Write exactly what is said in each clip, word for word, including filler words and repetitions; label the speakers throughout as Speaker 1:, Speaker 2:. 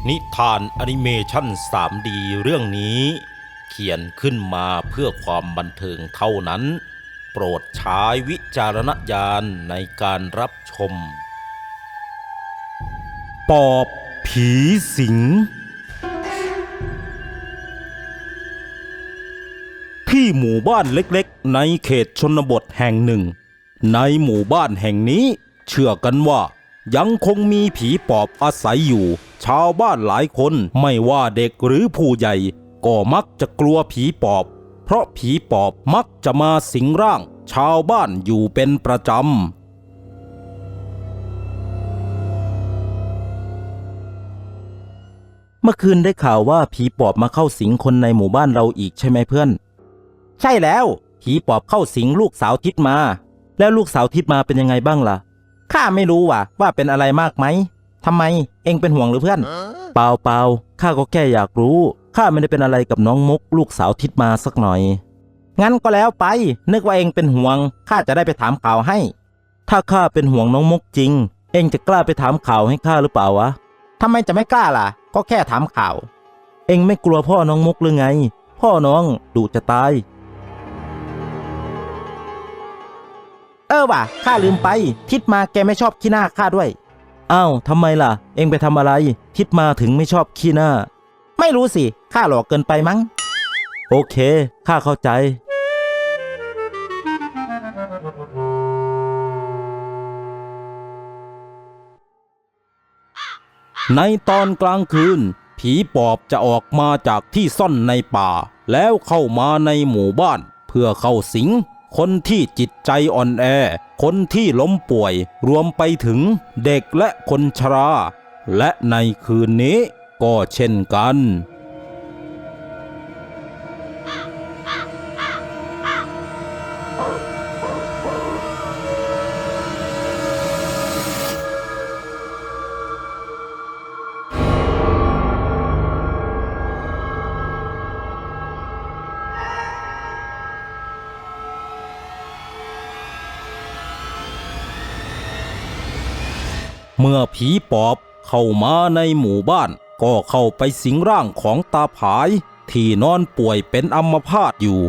Speaker 1: นิทานแอนิเมชัน ทรี ดี เรื่องนี้เขียนขึ้นมาเพื่อความบันเทิงเท่านั้นโปรดใช้วิจารณญาณในการรับชมปอบผีสิงที่หมู่บ้านเล็กๆในเขตชนบทแห่งหนึ่งในหมู่บ้านแห่งนี้เชื่อกันว่ายังคงมีผีปอบอาศัยอยู่ชาวบ้านหลายคนไม่ว่าเด็กหรือผู้ใหญ่ก็มักจะกลัวผีปอบเพราะผีปอบมักจะมาสิงร่างชาวบ้านอยู่เป็นประจำเมื่อคืนได้ข่าวว่าผีปอบมาเข้าสิงคนในหมู่บ้านเราอีกใช่ไหมเพื่อนใช่แล้วผีปอบเข้าสิงลูกสาวทิดมาแล้วลูกสาวทิดมาเป็นยังไงบ้างล่ะข้าไม่รู้ว่ะว่าเป็นอะไรมากไหมทำไมเอ็งเป็นห่วงหรือเพื่อนเปล่าเปล่าข้าก็แค่อยากรู้ข้าไม่ได้เป็นอะไรกับน้องมุกลูกสาวทิดมาสักหน่อยงั้นก็แล้วไปนึกว่าเอ็งเป็นห่วงข้าจะได้ไปถามข่าวให้ถ้าข้าเป็นห่วงน้องมุกจริงเอ็งจะกล้าไปถามข่าวให้ข้าหรือเปล่าวะทำไมจะไม่กล้าล่ะก็แค่ถามข่าวเอ็งไม่กลัวพ่อน้องมุกหรือไงพ่อน้องดุจะตายเออว่ะข้าลืมไปทิดมาแกไม่ชอบขี้หน้าข้าด้วยอ้าวทำไมล่ะเอ็งไปทำอะไรทิดมาถึงไม่ชอบขี้หน้าไม่รู้สิข้าหลอกเกินไปมั้งโอเคข้าเข้าใจในตอนกลางคืนผีปอบจะออกมาจากที่ซ่อนในป่าแล้วเข้ามาในหมู่บ้านเพื่อเข้าสิงคนที่จิตใจอ่อนแอคนที่ล้มป่วยรวมไปถึงเด็กและคนชราและในคืนนี้ก็เช่นกันเมื่อผีปอบเข้ามาในหมู่บ้านก็เข้าไปสิงร่างของตาผายที่นอนป่วยเป็นอัมพาตอยู่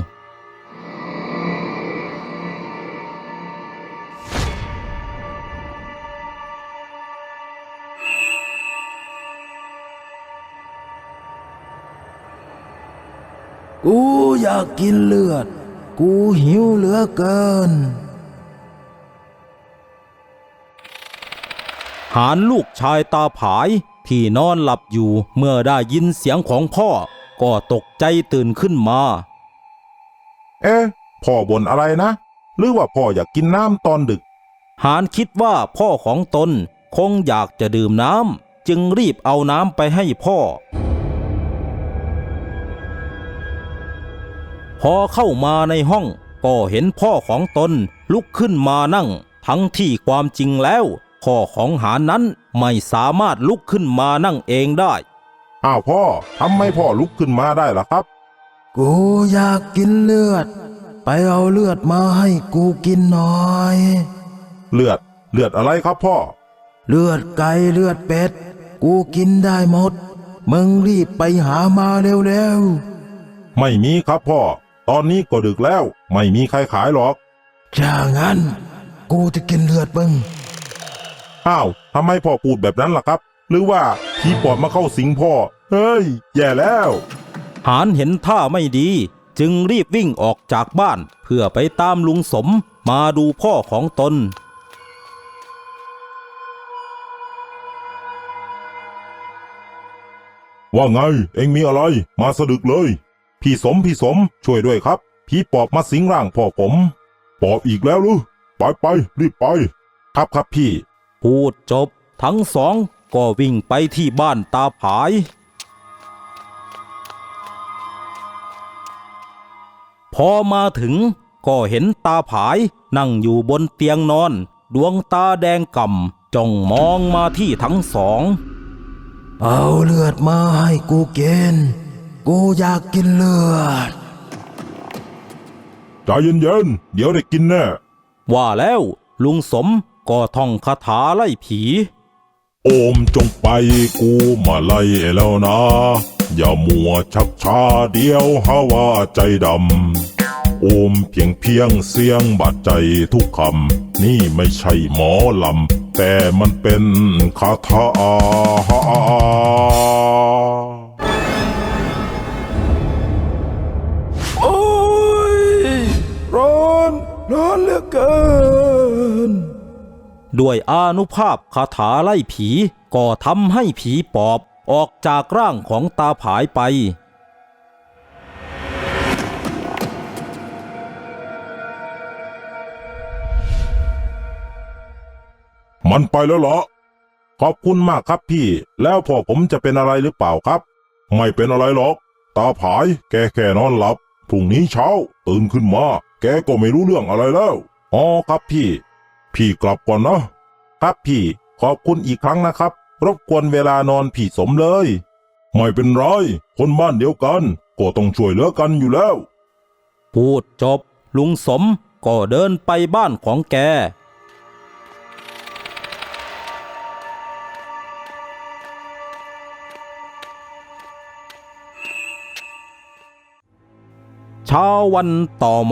Speaker 2: กูอยากกินเลือดกูหิวเหลือเกิน
Speaker 1: หารลูกชายตาผายที่นอนหลับอยู่เมื่อได้ยินเสียงของพ่อก็ตกใจตื่นขึ้นมา
Speaker 3: เอ๊ะพ่อบ่นอะไรนะหรือว่าพ่ออยากกินน้ำตอนดึก
Speaker 1: หารคิดว่าพ่อของตนคงอยากจะดื่มน้ำจึงรีบเอาน้ำไปให้พ่อพอเข้ามาในห้องก็เห็นพ่อของตนลุกขึ้นมานั่งทั้งที่ความจริงแล้วพ่อของหารนั้นไม่สามารถลุกขึ้นมานั่งเองได้
Speaker 3: อ้าวพ่อทำไมพ่อลุกขึ้นมาได้ล่ะครับ
Speaker 2: กูอยากกินเลือดไปเอาเลือดมาให้กูกินหน่อย
Speaker 3: เลือดเลือดอะไรครับพ่อ
Speaker 2: เลือดไก่เลือดเป็ดกูกินได้หมดมึงรีบไปหามาเร็ว
Speaker 3: ๆไม่มีครับพ่อตอนนี้ก็ดึกแล้วไม่มีใครขายหรอก
Speaker 2: ถ้างั้นกูจะกินเลือดมึง
Speaker 3: อ้าวทำไมพ่อพูดแบบนั้นล่ะครับหรือว่าผีปอบมาเข้าสิงพ่อเฮ้ยแย่แล้ว
Speaker 1: หารเห็นท่าไม่ดีจึงรีบวิ่งออกจากบ้านเพื่อไปตามลุงสมมาดูพ่อของตน
Speaker 3: ว่าไงเอ็งมีอะไรมาสะดึกเลยพี่สมพี่สมช่วยด้วยครับผีปอบมาสิงร่างพ่อผมปอบอีกแล้วหรือไปไปรีบไปครับครับพี่
Speaker 1: พูดจบทั้งสองก็วิ่งไปที่บ้านตาผายพอมาถึงก็เห็นตาผายนั่งอยู่บนเตียงนอนดวงตาแดงก่ำจ้องมองมาที่ทั้งสอง
Speaker 2: เอาเลือดมาให้กูกินกูอยากกินเลือด
Speaker 3: ใจเย็นๆเดี๋ยวได้กินแน่
Speaker 1: ว่าแล้วลุงสมก็ท่องคาถาไล่ผี
Speaker 3: โอโอมจงไปกูมาไล่แล้วนะ อย่ามัวชักช้าเดียวหาว่าใจดำ โอมเพียงเพียงเสียงบาดใจทุกคำ นี่ไม่ใช่หมอลำ แต่มันเป็นคาถา
Speaker 2: โอ้ยร้อนร้อนเหลือเกิน
Speaker 1: ด้วยอานุภาพคาถาไล่ผีก็ทำให้ผีปอบออกจากร่างของตาผายไป
Speaker 3: มันไปแล้วเหรอ ขอบคุณมากครับพี่ แล้วพ่อผมจะเป็นอะไรหรือเปล่าครับ ไม่เป็นอะไรหรอก ตาผายแกแค่นอนหลับ พรุ่งนี้เช้าตื่นขึ้นมา แกก็ไม่รู้เรื่องอะไรแล้ว อ๋อครับพี่ พี่กลับก่อนนะ ครับพี่ ขอบคุณอีกครั้งนะครับ รบกวนเวลานอนพี่สมเลย ไม่เป็นไร คนบ้านเดียวกันก็ต้องช่วยเหลือกันอยู่แล้ว
Speaker 1: พูดจบลุงสมก็เดินไปบ้านของแก เช้าวันต่อมา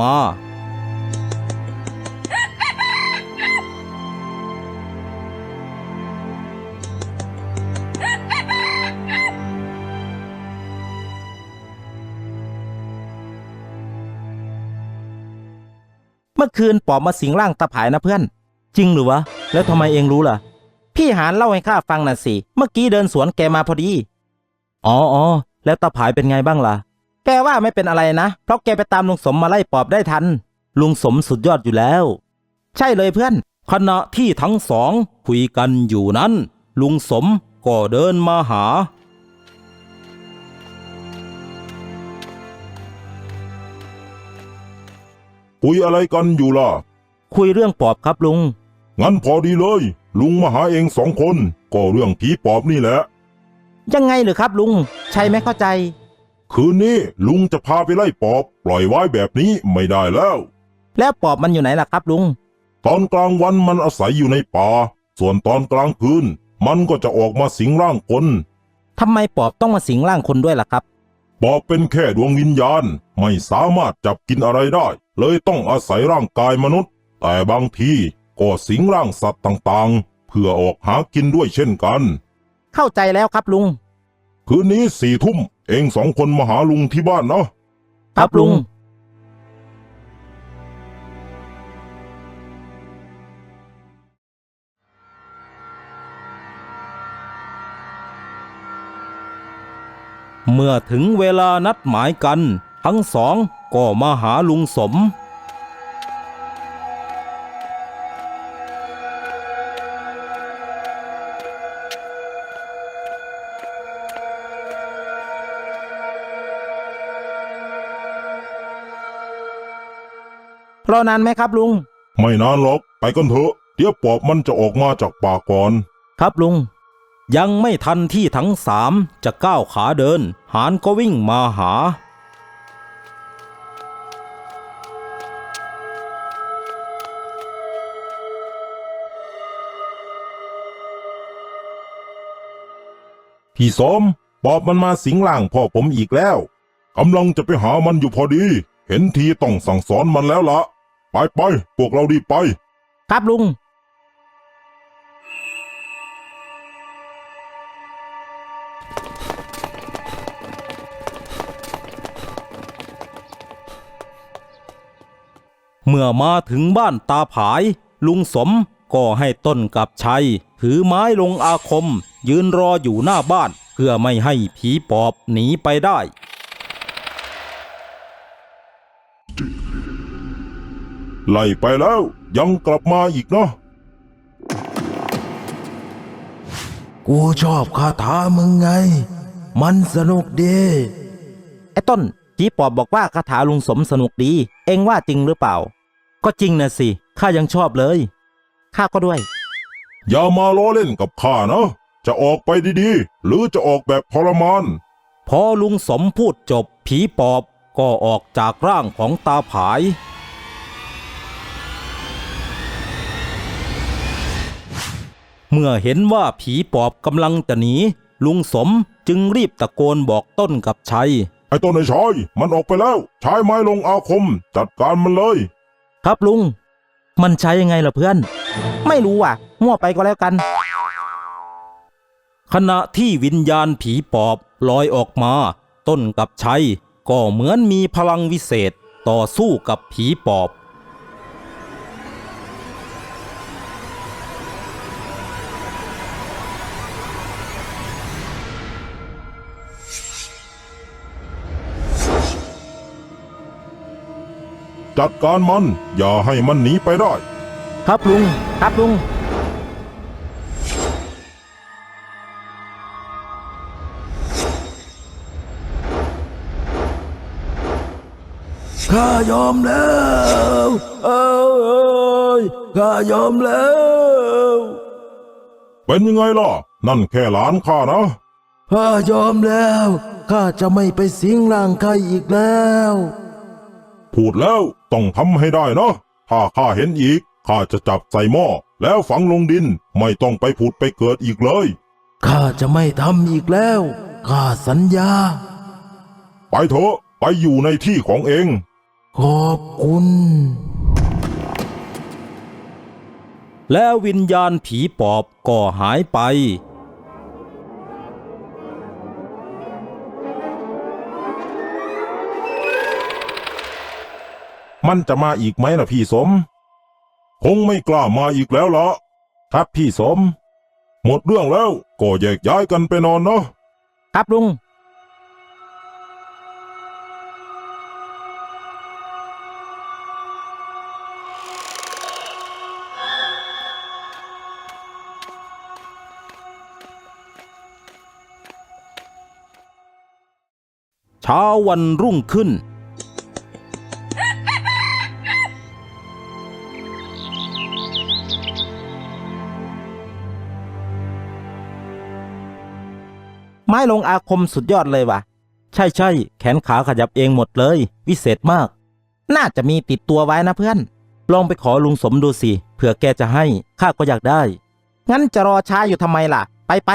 Speaker 1: เมื่อคืนปอบมาสิงร่างตาผายนะเพื่อน จริงหรือวะ แล้วทำไมเองรู้ล่ะ พี่หานเล่าให้ข้าฟังน่ะสิ เมื่อกี้เดินสวนแกมาพอดี อ๋ออ๋อแล้วตาผายเป็นไงบ้างล่ะ แกว่าไม่เป็นอะไรนะ เพราะแกไปตามลุงสมมาไล่ปอบได้ทัน ลุงสมสุดยอดอยู่แล้ว ใช่เลยเพื่อน ขณะที่ทั้งสองคุยกันอยู่นั้น ลุงสมก็เดินมาหา
Speaker 3: คุยอะไรกันอยู่ล่ะ
Speaker 1: คุยเรื่องปอบครับลุง
Speaker 3: งั้นพอดีเลย ลุงมาหาเองสองคน ก็เรื่องผีปอบนี่แหละ
Speaker 1: ยังไงหรือครับลุง ใช่ไม่เข้าใจ
Speaker 3: คืนนี้ลุงจะพาไปไล่ปอบ ปล่อยไว้แบบนี้ไม่ได้แล้ว
Speaker 1: แล้วปอบมันอยู่ไหนล่ะครับลุง
Speaker 3: ตอนกลางวันมันอาศัยอยู่ในป่า ส่วนตอนกลางคืนมันก็จะออกมาสิงร่างคน
Speaker 1: ทำไมปอบต้องมาสิงร่างคนด้วยล่ะครับ
Speaker 3: ปอบเป็นแค่ดวงวิญญาณ ไม่สามารถจับกินอะไรได้ เลยต้องอาศัยร่างกายมนุษย์ แต่บางทีก็สิงร่างสัตว์ต่างๆ เพื่อออกหากินด้วยเช่นกัน
Speaker 1: เข้าใจแล้วครับลุง
Speaker 3: คืนนี้สี่ทุ่มเองสองคนมาหาลุงที่บ้านนะ
Speaker 1: ครับลุง เมื่อถึงเวลานัดหมายกัน ทั้งสองก็มาหาลุงสม รอนานไหมครับลุง
Speaker 3: ไม่นานหรอกไปกันเถอะ เดี๋ยวปอบมันจะออกมาจากป่าก่อน
Speaker 1: ครับลุง ยังไม่ทันที่ทั้งสามจะก้าวขาเดิน หานก็วิ่งมาหา
Speaker 3: พี่สมปอบมันมาสิงร่างพ่อผมอีกแล้วกำลังจะไปหามันอยู่พอดี เห็นทีต้องสั่งสอนมันแล้วละไปไปพวกเราดีไป
Speaker 1: ครับลุง เมื่อมาถึงบ้านตาผาย ลุงสมก็ให้ต้นกับชัย ถือไม้ลงอาคม ยืนรออยู่หน้าบ้าน เพื่อไม่ให้ผีปอบหนีไปได้
Speaker 3: ไล่ไปแล้วยังกลับมาอีกเนาะ
Speaker 2: กูชอบคาถามึงไง มันสนุกดี
Speaker 1: ไอ้ต้นผีปอบบอกว่าคาถาลุงสมสนุกดี เอ็งว่าจริงหรือเปล่า ก็จริงนะสิ ข้ายังชอบเลย ข้าก็ด้วย
Speaker 3: อย่ามาล้อเล่นกับข้านะ จะออกไปดีๆ หรือจะออกแบบทรมาน
Speaker 1: พอลุงสมพูดจบผีปอบก็ออกจากร่างของตาผาย เเมื่อเห็นว่าผีปอบกำลังจะหนีลุงสมจึงรีบตะโกนบอกต้นกับชัย
Speaker 3: ไอ้ต้นไอ้ชายมันออกไปแล้วใช้ไม้ลงอาคมจัดการมันเลย
Speaker 1: ครับลุงมันใช้ยังไงล่ะเพื่อน ไม่รู้อ่ะมั่วไปก็แล้วกัน ขณะที่วิญญาณผีปอบลอยออกมาต้นกับชัยก็เหมือนมีพลังวิเศษต่อสู้กับผีปอบ
Speaker 3: จัดการมันอย่าให้มันหนีไปได้
Speaker 1: ครับลุงครับลุง
Speaker 2: ข้ายอมแล้วเอ้ยข้ายอมแล้ว
Speaker 3: เป็นยังไงล่ะนั่นแค่หลานข้านะ
Speaker 2: ข้ายอมแล้วข้าจะไม่ไปสิงร่างใครอีกแล้ว
Speaker 3: พูดแล้วต้องทำให้ได้นะถ้าข้าเห็นอีกข้าจะจับใส่หม้อแล้วฝังลงดินไม่ต้องไปผุดไปเกิดอีกเลย
Speaker 2: ข้าจะไม่ทำอีกแล้วข้าสัญญา
Speaker 3: ไปเถอะไปอยู่ในที่ของเอง
Speaker 2: ขอบคุณ
Speaker 1: แล้ววิญญาณผีปอบก็หายไป
Speaker 3: มันจะมาอีกไหมล่ะพี่สมคงไม่กล้ามาอีกแล้วละครับพี่สมหมดเรื่องแล้วก็แยกย้ายกันไปนอนเนาะ
Speaker 1: ครับลุง เช้าวันรุ่งขึ้นไม้ลงอาคมสุดยอดเลยว่ะใช่ใช่แขนขาขยับเองหมดเลยวิเศษมากน่าจะมีติดตัวไว้นะเพื่อนลองไปขอลุงสมดูสิเผื่อแกจะให้ข้าก็อยากได้งั้นจะรอช้าอยู่ทำไมล่ะไปไป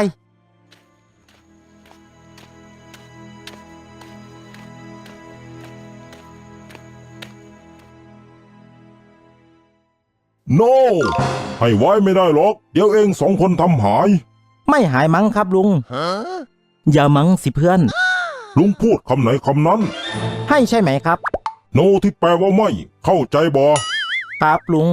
Speaker 3: โน ให้ไว้ไม่ได้หรอกเดี๋ยวเองสองคนทำหาย
Speaker 1: ไม่หายมั้งครับลุงอย่ามั้งสิเพื่อน
Speaker 3: ลุงพูดคำไหนคำนั้น
Speaker 1: ให้ใช่ไหมครับ
Speaker 3: โนที่แปลว่าไม่เข้าใจบ่
Speaker 1: ครับลุง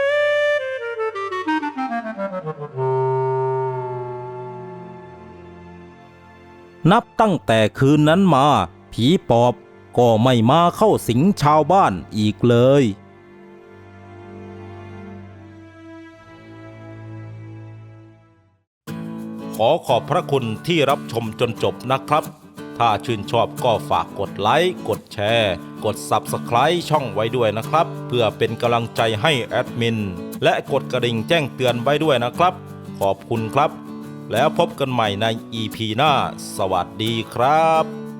Speaker 1: นับตั้งแต่คืนนั้นมาผีปอบก็ไม่มาเข้าสิงชาวบ้านอีกเลยขอขอบพระคุณที่รับชมจนจบนะครับ ถ้าชื่นชอบก็ฝากกดไลค์ กดแชร์ กด ซับสไครบ์ ช่องไว้ด้วยนะครับ เพื่อเป็นกำลังใจให้แอดมิน และกดกระดิ่งแจ้งเตือนไว้ด้วยนะครับ ขอบคุณครับ แล้วพบกันใหม่ใน อี พี หน้า สวัสดีครับ